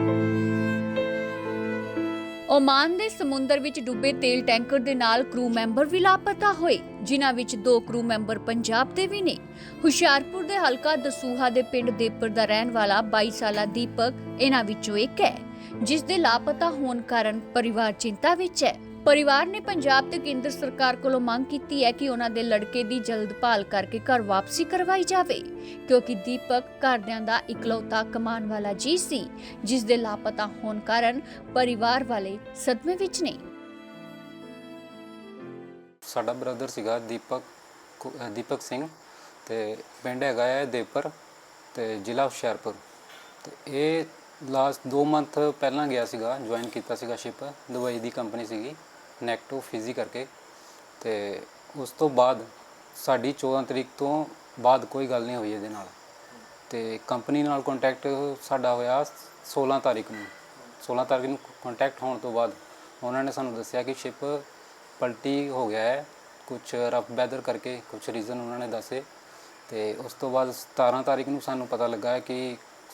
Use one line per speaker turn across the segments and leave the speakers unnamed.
Oman ਦੇ ਸਮੁੰਦਰ ਵਿੱਚ ਡੁੱਬੇ ਤੇਲ ਟੈਂਕਰ ਦੇ ਨਾਲ ਕਰੂ ਮੈਂਬਰ ਵੀ ਲਾਪਤਾ ਹੋਏ, ਜਿਨ੍ਹਾਂ ਵਿੱਚ 2 ਕਰੂ ਮੈਂਬਰ ਪੰਜਾਬ ਦੇ ਵੀ ਨੇ। ਹੁਸ਼ਿਆਰਪੁਰ ਦੇ ਹਲਕਾ ਦਸੂਹਾ ਦੇ ਪਿੰਡ ਦੇਪਰ ਦਾ ਰਹਿਣ ਵਾਲਾ 22 ਸਾਲਾ ਦੀਪਕ ਇਹਨਾਂ ਵਿੱਚੋਂ ਇੱਕ ਹੈ, ਜਿਸ ਦੇ ਲਾਪਤਾ ਹੋਣ ਕਾਰਨ ਪਰਿਵਾਰ ਚਿੰਤਾ ਵਿੱਚ ਹੈ। परिवार ने पंजाब ते केंद्र सरकार कोलों मांग की है कि उन्हां दे लड़के दी जल्द भाल करके घर वापसी करवाई जावे, क्योंकि दीपक घरदियां दा इकलौता कमान वाला जी सी, जिस दे लापता होने कारण परिवार वाले सदमे विच ने।
साडा ब्रदर सीगा दीपक सिंह ते पिंड हैगा है देपर ते जिला हुशियारपुर ते ये लास्ट 2 मंथ पहला गया सीगा, ज्वाइन किया सीगा शिप दुबई दी कंपनी सीगी नैक्टो फिजी करके। तो उस तो बाद साड़ी 14 तरीक तो बाद कोई गल नहीं हुई ये नाल ते कंपनी नाल कॉन्टैक्ट साडा होया 16 तारीख नूं। 16 तारीख नूं कॉन्टैक्ट होने तो बाद उन्होंने सानू दस्सिया कि शिप पलटी हो गया है, कुछ रफ वैदर करके कुछ रीज़न उन्होंने दसे। तो उस तो बाद 17 तारीख नूं सानू पता लगा है कि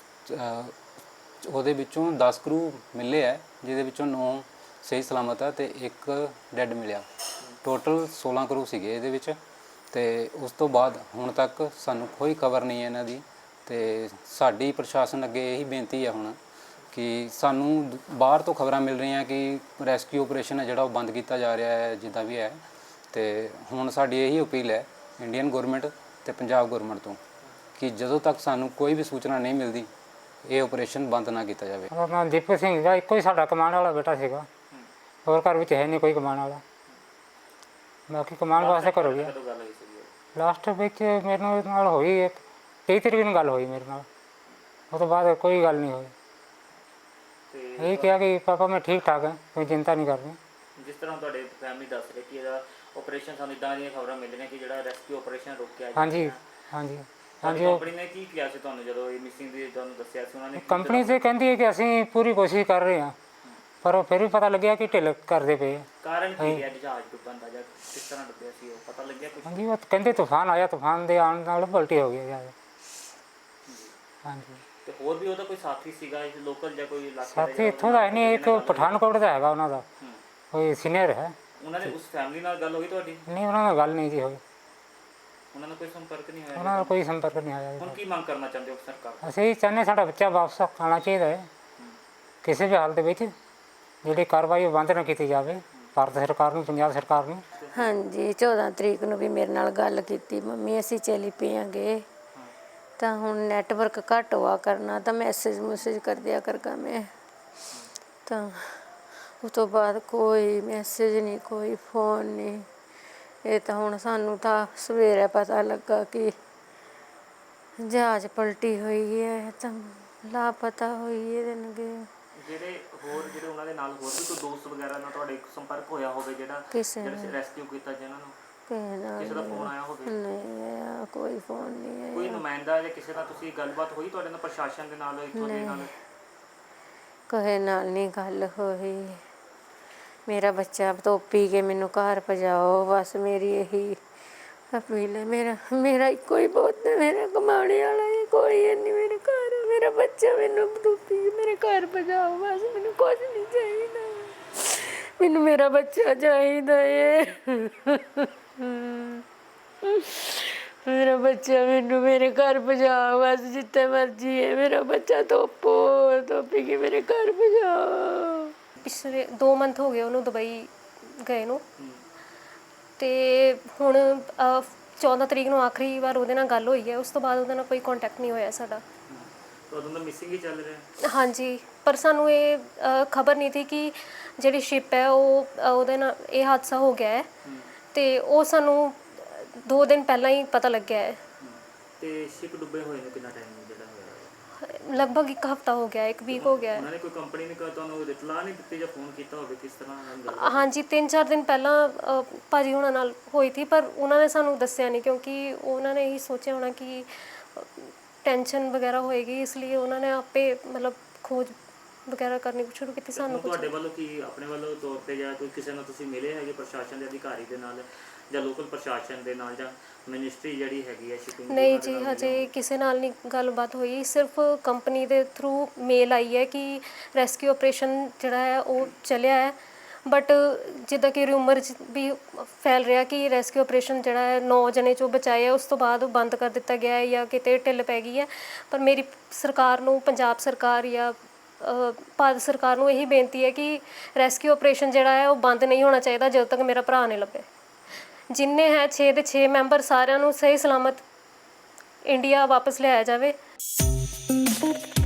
ਉਹਦੇ ਵਿੱਚੋਂ 10 ਕਰੂ ਮਿਲੇ ਹੈ, ਜਿਹਦੇ ਵਿੱਚੋਂ 9 ਸਹੀ ਸਲਾਮਤ ਹੈ ਤੇ 1 ਡੈੱਡ ਮਿਲਿਆ। ਟੋਟਲ 16 ਕਰੂ ਸੀਗੇ ਇਹਦੇ ਵਿੱਚ। ਤੇ ਉਸ ਤੋਂ ਬਾਅਦ ਹੁਣ ਤੱਕ ਸਾਨੂੰ ਕੋਈ ਖਬਰ ਨਹੀਂ ਹੈ ਇਹਨਾਂ ਦੀ। ਤੇ ਸਾਡੀ ਪ੍ਰਸ਼ਾਸਨ ਅੱਗੇ ਇਹੀ ਬੇਨਤੀ ਹੈ ਹੁਣ ਕਿ ਸਾਨੂੰ ਬਾਹਰ ਤੋਂ ਖਬਰਾਂ ਮਿਲ ਰਹੀਆਂ ਕਿ ਰੈਸਕਿਊ ਆਪਰੇਸ਼ਨ ਹੈ ਜਿਹੜਾ ਉਹ ਬੰਦ ਕੀਤਾ ਜਾ ਰਿਹਾ ਹੈ ਜਿੱਦਾਂ ਵੀ ਹੈ। ਤੇ ਹੁਣ ਸਾਡੀ ਇਹੀ ਅਪੀਲ ਹੈ ਇੰਡੀਅਨ ਗੌਰਮੈਂਟ ਤੇ ਪੰਜਾਬ ਗੌਰਮੈਂਟ ਤੋਂ ਕਿ ਜਦੋਂ ਤੱਕ ਸਾਨੂੰ ਕੋਈ ਵੀ ਸੂਚਨਾ ਨਹੀਂ ਮਿਲਦੀ ਇਹ ਆਪਰੇਸ਼ਨ ਬੰਦ ਨਾ ਕੀਤਾ ਜਾਵੇ।
ਨਾਮ ਦੀਪਕ ਸਿੰਘ ਦਾ ਇੱਕੋ ਹੀ ਸਾਡਾ ਕਮਾਉਣ ਵਾਲਾ ਬੇਟਾ ਸੀਗਾ, ਹੋਰ ਘਰ ਵਿੱਚ ਹੈ ਨਹੀਂ ਕੋਈ ਕਮਾਉਣ ਵਾਲਾ, ਬਾਕੀ ਕਮਾਉਣ ਵਾਸਤੇ ਘਰੋਂ ਗਿਆ। ਲਾਸਟ ਵਿੱਚ ਮੇਰੇ ਨਾਲ ਹੋਈ 23 ਤਰੀਕ ਨੂੰ ਗੱਲ ਹੋਈ ਮੇਰੇ ਨਾਲ, ਉਹ ਤੋਂ ਬਾਅਦ ਕੋਈ ਗੱਲ ਨਹੀਂ ਹੋਈ। ਇਹ ਕਿਹਾ ਕਿ ਪਾਪਾ ਮੈਂ ਠੀਕ ਠਾਕ ਹਾਂ, ਕੋਈ ਚਿੰਤਾ ਨਹੀਂ ਕਰਨੀ।
ਜਿਸ ਤਰ੍ਹਾਂ ਤੁਹਾਡੇ ਫੈਮਿਲੀ ਦੱਸ ਰਹੇ ਕਿ ਇਹਦਾ ਆਪਰੇਸ਼ਨ ਸਾਨੂੰ ਇੱਦਾਂ ਦੀਆਂ ਖਬਰਾਂ ਮਿਲ ਰਹੀਆਂ ਕਿ ਜਿਹੜਾ ਰੈਸਕਿਊ ਆਪਰੇਸ਼ਨ ਰੁਕਿਆ।
ਹਾਂਜੀ ਹਾਂਜੀ ਹਾਂਜੀ।
ਕੰਪਨੀ ਨੇ ਕੀ ਕਿਹਾ ਸੀ ਤੁਹਾਨੂੰ ਜਦੋਂ ਇਹ ਮਿਸਿੰਗ ਦੀ ਤੁਹਾਨੂੰ ਦੱਸਿਆ ਸੀ ਉਹਨਾਂ ਨੇ?
ਕੰਪਨੀ ਤੇ ਕਹਿੰਦੀ ਹੈ ਕਿ ਅਸੀਂ ਪੂਰੀ ਕੋਸ਼ਿਸ਼ ਕਰ ਰਹੇ ਹਾਂ, ਪਰ ਫਿਰ ਵੀ ਪਤਾ ਲੱਗਿਆ ਕਿ ਢਿੱਲ ਕਰਦੇ ਪਏ।
ਕਾਰਨ ਕੀ ਹੈ ਜਹਾਜ਼ ਡੁੱਬਣ ਦਾ ਜਾਂ ਕਿਸ ਤਰ੍ਹਾਂ ਡੁੱਬਿਆ ਸੀ ਉਹ ਪਤਾ ਲੱਗਿਆ ਕੁਝ?
ਹਾਂਜੀ ਉਹ ਕਹਿੰਦੇ ਤੂਫਾਨ ਆਇਆ, ਤੂਫਾਨ ਦੇ ਆਉਣ ਨਾਲ ਪਲਟੀ ਹੋ ਗਈ ਜਹਾਜ਼। ਹਾਂਜੀ।
ਤੇ ਹੋਰ ਵੀ ਉਹਦਾ ਕੋਈ ਸਾਥੀ ਸੀਗਾ ਇਸ ਲੋਕਲ ਜਾਂ ਕੋਈ ਇਲਾਕੇ ਦਾ?
ਸਾਥੀ ਇੱਥੋਂ ਦਾ ਨਹੀਂ, ਇੱਕ ਪਠਾਨਕੋਟ ਦਾ ਹੈਗਾ, ਉਹਨਾਂ ਦਾ ਕੋਈ ਸੀਨੀਅਰ ਹੈ।
ਉਹਨਾਂ ਨੇ ਉਸ ਫੈਮਿਲੀ ਨਾਲ ਗੱਲ ਹੋਈ ਤੁਹਾਡੀ?
ਨਹੀਂ, ਉਹਨਾਂ ਨਾਲ ਗੱਲ ਨਹੀਂ ਜੀ ਹੋਈ,
ਉਹਨਾਂ ਨਾਲ ਕੋਈ ਸੰਪਰਕ ਨਹੀਂ ਹੋਇਆ?
ਉਹਨਾਂ ਨਾਲ ਕੋਈ ਸੰਪਰਕ ਨਹੀਂ ਆਇਆ।
ਹੁਣ ਕੀ ਮੰਗ ਕਰਨਾ ਚਾਹੁੰਦੇ ਹੋ ਸਰਕਾਰ?
ਅਸੀਂ ਚਾਹੁੰਦੇ ਸਾਡਾ ਬੱਚਾ ਵਾਪਸ ਆਉਣਾ ਚਾਹੀਦਾ ਹੈ, ਕਿਸੇ ਵੀ ਹਾਲਤ ਵਿੱਚ ਜਿਹੜੀ ਕਾਰਵਾਈ ਬੰਦ ਨਾ ਕੀਤੀ ਜਾਵੇ ਭਾਰਤ ਸਰਕਾਰ ਨੂੰ, ਪੰਜਾਬ ਸਰਕਾਰ ਨੂੰ।
ਹਾਂਜੀ 14 ਤਰੀਕ ਨੂੰ ਵੀ ਮੇਰੇ ਨਾਲ ਗੱਲ ਕੀਤੀ, ਮੰਮੀ ਅਸੀਂ ਚੱਲੀ ਪਈਆਂਗੇ ਤਾਂ ਹੁਣ ਨੈਟਵਰਕ ਘੱਟ ਹੋਆ ਕਰਨਾ ਤਾਂ ਮੈਸੇਜ ਕਰ ਦਿਆ ਕਰਗਾ ਮੈਂ। ਤਾਂ ਉਸ ਤੋਂ ਬਾਅਦ ਕੋਈ ਮੈਸੇਜ ਨਹੀਂ, ਕੋਈ ਫੋਨ ਨਹੀਂ। ਇਹ ਤਾਂ ਹੁਣ ਸਾਨੂੰ ਤਾਂ ਸਵੇਰੇ ਪਤਾ ਲੱਗਾ ਕਿ ਜਹਾਜ਼ ਪਲਟੀ ਹੋਈ ਹੈ ਤਾਂ ਲਾਪਤਾ ਹੋਈ ਇਹਦੇ ਨਾਲ।
ਜਿਹੜੇ ਉਹਨਾਂ ਦੇ ਨਾਲ ਹੋਰ ਵੀ ਕੋਈ ਦੋਸਤ ਵਗੈਰਾ ਨਾਲ ਤੁਹਾਡੇ ਸੰਪਰਕ ਹੋਇਆ ਹੋਵੇ ਜਿਹੜਾ ਰੈਸਕਿਊ ਕੀਤਾ ਜਿਹਨਾਂ ਨੂੰ ਕਿਸੇ ਦਾ ਫੋਨ ਆਇਆ ਹੋਵੇ?
ਨਹੀਂ ਆਇਆ, ਕੋਈ ਫੋਨ ਨਹੀਂ ਆਇਆ।
ਕੋਈ ਨੁਮਾਇੰਦਾ ਜਾਂ ਕਿਸੇ ਨਾਲ ਤੁਸੀਂ ਗੱਲਬਾਤ ਹੋਈ ਤੁਹਾਡੇ ਨਾਲ ਪ੍ਰਸ਼ਾਸਨ ਦੇ ਨਾਲ ਇੱਥੋਂ ਦੇ ਨਾਲ?
ਕਿਸੇ ਨਾਲ ਨਹੀਂ ਗੱਲ ਹੋਈ। ਮੇਰਾ ਬੱਚਾ ਧੋਪੀ ਕੇ ਮੈਨੂੰ ਘਰ ਪਹੁੰਚਾਓ, ਬਸ ਮੇਰੀ ਇਹੀ ਅਪੀਲ ਹੈ। ਮੇਰਾ ਇੱਕੋ ਹੀ ਪੁੱਤ ਹੈ, ਮੇਰਾ ਕਮਾਉਣੇ ਵਾਲਾ ਹੈ, ਕੋਈ ਨਹੀਂ ਮੇਰੇ ਘਰ। ਮੇਰਾ ਬੱਚਾ ਮੈਨੂੰ ਧੋਪੀ ਕੇ ਮੇਰੇ ਘਰ ਪਹੁੰਚਾਓ, ਬਸ ਮੈਨੂੰ ਕੁਝ ਨਹੀਂ ਚਾਹੀਦਾ, ਮੈਨੂੰ ਮੇਰਾ ਬੱਚਾ ਚਾਹੀਦਾ ਹੈ। ਮੇਰਾ ਬੱਚਾ ਮੈਨੂੰ ਮੇਰੇ ਘਰ ਪਹੁੰਚਾਓ, ਬਸ ਜਿੱਥੇ ਮਰਜ਼ੀ ਹੈ ਮੇਰਾ ਬੱਚਾ ਧੋਪੀ ਕੇ ਮੇਰੇ ਘਰ ਪਹੁੰਚਾਓ।
ਪਿਛਲੇ 2 ਮੰਥ ਹੋ ਗਏ ਉਹਨੂੰ ਦੁਬਈ ਗਏ ਨੂੰ, ਤੇ ਹੁਣ 14 ਤਰੀਕ ਨੂੰ ਆਖਰੀ ਵਾਰ ਉਹਦੇ ਨਾਲ ਗੱਲ ਹੋਈ ਹੈ। ਉਸ ਤੋਂ ਬਾਅਦ ਉਹਦੇ ਨਾਲ ਕੋਈ ਕੰਟੈਕਟ ਨਹੀਂ ਹੋਇਆ ਸਾਡਾ।
ਉਦੋਂ ਦਾ ਮਿਸਿੰਗ ਹੀ ਚੱਲ ਰਿਹਾ?
ਹਾਂਜੀ, ਪਰ ਸਾਨੂੰ ਇਹ ਖਬਰ ਨਹੀਂ ਸੀ ਕਿ ਜਿਹੜੀ ਸ਼ਿਪ ਹੈ ਉਹਦੇ ਨਾਲ ਇਹ ਹਾਦਸਾ ਹੋ ਗਿਆ ਹੈ, ਤੇ ਉਹ ਸਾਨੂੰ 2 ਦਿਨ ਪਹਿਲਾਂ ਹੀ ਪਤਾ ਲੱਗਿਆ ਹੈ।
ਤੇ ਸ਼ਿਪ ਡੁੱਬੇ ਹੋਏ ਨੂੰ ਕਿੰਨਾ ਟਾਈਮ ਜਿਹੜਾ ਹੋਇਆ?
ਲਗਭਗ 1 ਹਫ਼ਤਾ ਹੋ ਗਿਆ, 1 ਵੀਕ ਹੋ ਗਿਆ।
ਉਹਨਾਂ ਨੇ ਕੋਈ ਕੰਪਨੀ ਨੇ ਤੁਹਾਨੂੰ ਇਤਲਾਹ ਨਹੀਂ ਦਿੱਤੀ ਜਾਂ ਫੋਨ ਕੀਤਾ ਹੋਵੇ ਕਿਸ ਤਰ੍ਹਾਂ?
ਹਾਂਜੀ 3-4 ਦਿਨ ਪਹਿਲਾਂ ਭਾਜੀ ਹੁਣਾਂ ਨਾਲ ਹੋਈ ਸੀ, ਪਰ ਉਹਨਾਂ ਨੇ ਸਾਨੂੰ ਦੱਸਿਆ ਨਹੀਂ, ਕਿਉਂਕਿ ਉਹਨਾਂ ਨੇ ਇਹੀ ਸੋਚਿਆ ਹੋਣਾ ਕਿ ਟੈਨਸ਼ਨ ਵਗੈਰਾ ਹੋਏਗੀ, ਇਸ ਲਈ ਉਹਨਾਂ ਨੇ ਆਪੇ ਮਤਲਬ ਖੋਜ ਵਗੈਰਾ ਕਰਨੀ ਸ਼ੁਰੂ ਕੀਤੀ। ਸਾਨੂੰ
ਤੁਹਾਡੇ ਵੱਲੋਂ ਕੀ ਆਪਣੇ ਵੱਲੋਂ ਤੌਰ 'ਤੇ ਜਾਂ ਕੋਈ ਕਿਸੇ ਨਾਲ ਤੁਸੀਂ ਮਿਲੇ ਹੈਗੇ ਪ੍ਰਸ਼ਾਸਨ ਦੇ ਅਧਿਕਾਰੀ ਦੇ ਨਾਲ ਜਾਂ ਲੋਕਲ ਪ੍ਰਸ਼ਾਸਨ ਦੇ ਨਾਲ ਜਾਂ ਮਿਨਿਸਟਰੀ ਜਿਹੜੀ ਹੈਗੀ ਹੈ ਸ਼ਿਪਿੰਗ
ਨਹੀਂ ਜੀ ਹਜੇ ਕਿਸੇ ਨਾਲ ਨਹੀਂ ਗੱਲਬਾਤ ਹੋਈ, ਸਿਰਫ ਕੰਪਨੀ ਦੇ ਥਰੂ ਮੇਲ ਆਈ ਹੈ ਕਿ ਰੈਸਕਿਊ ਆਪਰੇਸ਼ਨ ਜਿਹੜਾ ਹੈ ਉਹ ਚੱਲਿਆ ਹੈ। ਬਟ ਜਿੱਦਾਂ ਕਿ ਰਿਊਮਰ ਵੀ ਫੈਲ ਰਿਹਾ ਕਿ ਰੈਸਕਿਊ ਆਪਰੇਸ਼ਨ ਜਿਹੜਾ ਹੈ 9 ਜਣੇ 'ਚੋਂ ਬਚਾਏ ਆ, ਉਸ ਤੋਂ ਬਾਅਦ ਬੰਦ ਕਰ ਦਿੱਤਾ ਗਿਆ ਹੈ ਜਾਂ ਕਿਤੇ ਢਿੱਲ ਪੈ ਗਈ ਹੈ। ਪਰ ਮੇਰੀ ਸਰਕਾਰ ਨੂੰ, ਪੰਜਾਬ ਸਰਕਾਰ ਜਾਂ ਭਾਰਤ ਸਰਕਾਰ ਨੂੰ ਇਹੀ ਬੇਨਤੀ ਹੈ ਕਿ ਰੈਸਕਿਊ ਆਪਰੇਸ਼ਨ ਜਿਹੜਾ ਹੈ ਉਹ ਬੰਦ ਨਹੀਂ ਹੋਣਾ ਚਾਹੀਦਾ ਜਦੋਂ ਤੱਕ ਮੇਰਾ ਭਰਾ ਨਹੀਂ ਲੱਭੇ। ਜਿੰਨੇ ਹੈ 6 ਦੇ 6 ਮੈਂਬਰ, ਸਾਰਿਆਂ ਨੂੰ ਸਹੀ ਸਲਾਮਤ ਇੰਡੀਆ ਵਾਪਸ ਲਿਆਇਆ ਜਾਵੇ।